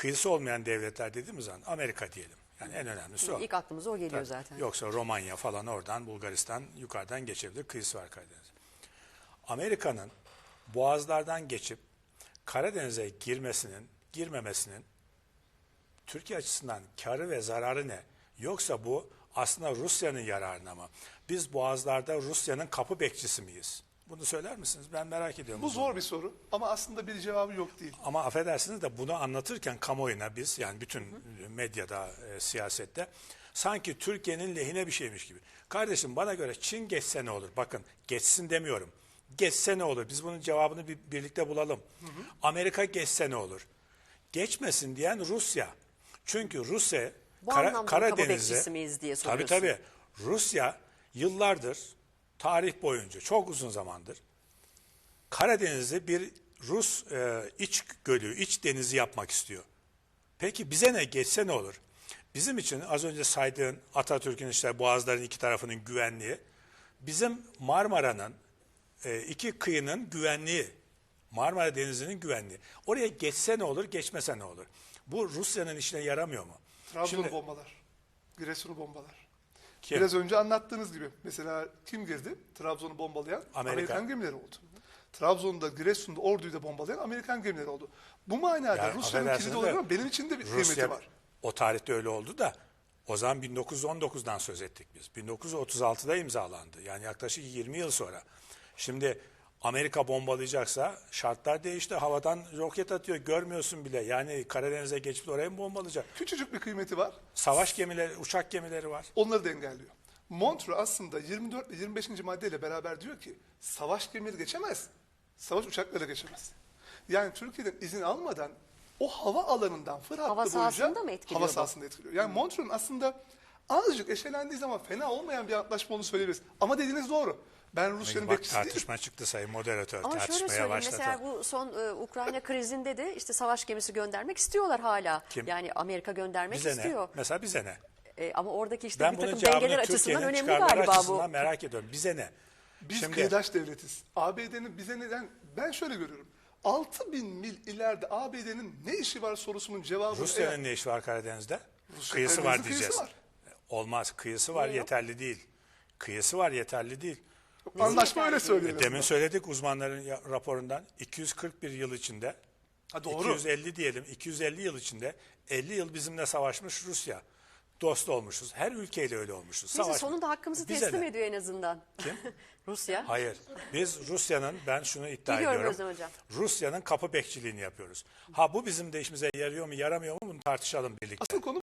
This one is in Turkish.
kıyısı olmayan devletler dediğimiz zaman Amerika diyelim. Yani en önemlisi o. İlk aklımıza o geliyor Tabii. zaten. Yoksa Romanya falan oradan Bulgaristan yukarıdan geçebilir. Kıyısı var Karadeniz. Amerika'nın boğazlardan geçip Karadeniz'e girmemesinin Türkiye açısından karı ve zararı ne? Yoksa bu aslında Rusya'nın yararına mı? Biz boğazlarda Rusya'nın kapı bekçisi miyiz? Bunu söyler misiniz? Ben merak ediyorum. Bu zor bir soru ama aslında bir cevabı yok değil. Ama affedersiniz de bunu anlatırken kamuoyuna biz yani bütün medyada, siyasette sanki Türkiye'nin lehine bir şeymiş gibi. Kardeşim bana göre Çin geçse ne olur? Bakın geçsin demiyorum. Geçse ne olur? Biz bunun cevabını birlikte bulalım. Amerika geçse ne olur? Geçmesin diyen Rusya. Çünkü Rusya Bu anlamda kapı Karadeniz'e bekçisi miyiz diye soruyorsun. tabii Rusya yıllardır tarih boyunca çok uzun zamandır Karadeniz'i bir Rus iç gölü, iç denizi yapmak istiyor. Peki bize ne geçse ne olur? Bizim için az önce saydığın Atatürk'ün işte boğazların iki tarafının güvenliği, bizim Marmara'nın iki kıyının güvenliği, Marmara Denizi'nin güvenliği. Oraya geçse ne olur, geçmese ne olur? Bu Rusya'nın işine yaramıyor mu? Trabzon'u bombalar, Giresun'u bombalar. Kim? Biraz önce anlattığınız gibi mesela kim girdi? Trabzon'u bombalayan Amerikan gemileri oldu. Trabzon'da, Giresun'da, Ordu'yu da bombalayan Amerikan gemileri oldu. Bu manada Yani Rusya'nın kilidi oluyor ama benim için de bir kıymeti Rusya, var. o tarihte öyle oldu da o zaman 1919'dan söz ettik biz. 1936'da imzalandı. Yani yaklaşık 20 yıl sonra. Şimdi Amerika bombalayacaksa şartlar değişti. Havadan roket atıyor. Görmüyorsun bile. Yani Karadeniz'e geçip oraya mı bombalayacak? Küçücük bir kıymeti var. Savaş gemileri, uçak gemileri var. Onları da engelliyor. Montreux aslında 24 ve 25. maddeyle beraber diyor ki savaş gemileri geçemez. Savaş uçakları geçemez. Yani Türkiye'den izin almadan o hava alanından Fır hattı Hava boyunca sahasında mı etkiliyor hava bu? sahasında etkiliyor. Yani Montreux'un aslında azıcık eşelendiği zaman fena olmayan bir antlaşma olduğunu söyleyebiliriz. Ama dediğiniz doğru. Ben Rusya'nın Bak bekçisi değilim. tartışma çıktı sayın moderatör. Ama şöyle Tartışmaya söyleyeyim başladı. mesela bu son Ukrayna krizinde de işte savaş gemisi göndermek istiyorlar hala. Kim? Yani Amerika göndermek Bize istiyor. ne? Mesela bize ne? Ama oradaki işte Ben bir bunun takım cevabını dengeler açısından Türkiye'nin önemli çıkarları galiba açısından bu. merak ediyorum. Bize ne? Biz Şimdi- kıyıdaş devletiz. ABD'nin bize neden? Ben şöyle görüyorum. 6000 mil ileride ABD'nin ne işi var sorusunun cevabı Rusya'nın ne işi var Karadeniz'de? Rusya Kıyısı var Karadeniz'in diyeceğiz. kıyısı var. Olmaz. Kıyısı var Niye yok? yeterli değil. Kıyısı var yeterli değil. anlaşma öyle yeterli söylüyor. Demin söyledik uzmanların raporundan 241 yıl içinde Ha, doğru. 250 diyelim 250 yıl içinde 50 yıl bizimle savaşmış Rusya. Dost olmuşuz. Her ülkeyle öyle olmuşuz. Neyse Savaşmış. sonunda hakkımızı Bize teslim ne? ediyor en azından. Kim? Rusya. Hayır. Biz Rusya'nın ben şunu iddia Biliyorum ediyorum. Özlem Hocam. Rusya'nın kapı bekçiliğini yapıyoruz. Ha bu bizim de işimize yarıyor mu yaramıyor mu bunu tartışalım birlikte. Asıl konu